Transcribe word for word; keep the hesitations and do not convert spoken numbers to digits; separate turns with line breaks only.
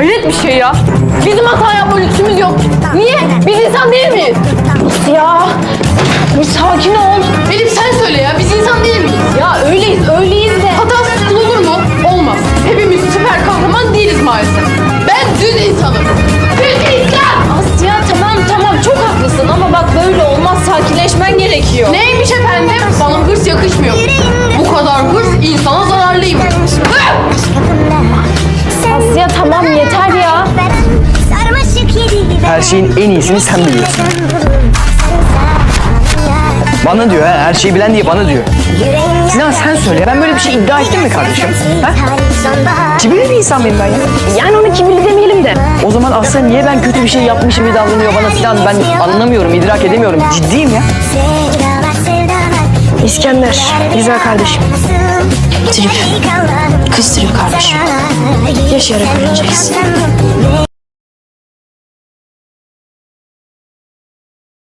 Hayret bir şey ya. Bizim hata yapma lüksümüz yok. Niye? Biz insan değil miyiz? Ya bir sakin ol. Elif sen söyle ya. Biz insan değil miyiz? Ya öyleyiz, öyleyiz de. Hatasız kul olur mu? Olmaz. Hepimiz süper kahraman değiliz maalesef. Ben düz insanım. Düz insan.
Asya tamam tamam çok haklısın ama bak böyle olmaz, sakinleşmen gerekiyor.
Neymiş efendim? Bana hırs yakışmıyor. Bu kadar hırs insana zararlıymış.
Asya tamam yeter ya.
Her şeyin en iyisini sen biliyorsun. Bana diyor ha, her şeyi bilen diye bana diyor. Sinan sen söyle, ben böyle bir şey iddia ettim mi kardeşim? Ha? Kibirli bir insan mıyım ben ya?
Yani onu kibirli demeyelim de.
O zaman aslında niye ben kötü bir şey yapmışım gibi davranıyor bana Sinan? Ben anlamıyorum, idrak edemiyorum. Ciddiyim ya.
İskender, güzel kardeşim. Trip. Kız trip kardeşim. Yaşayarak öğreneceksin.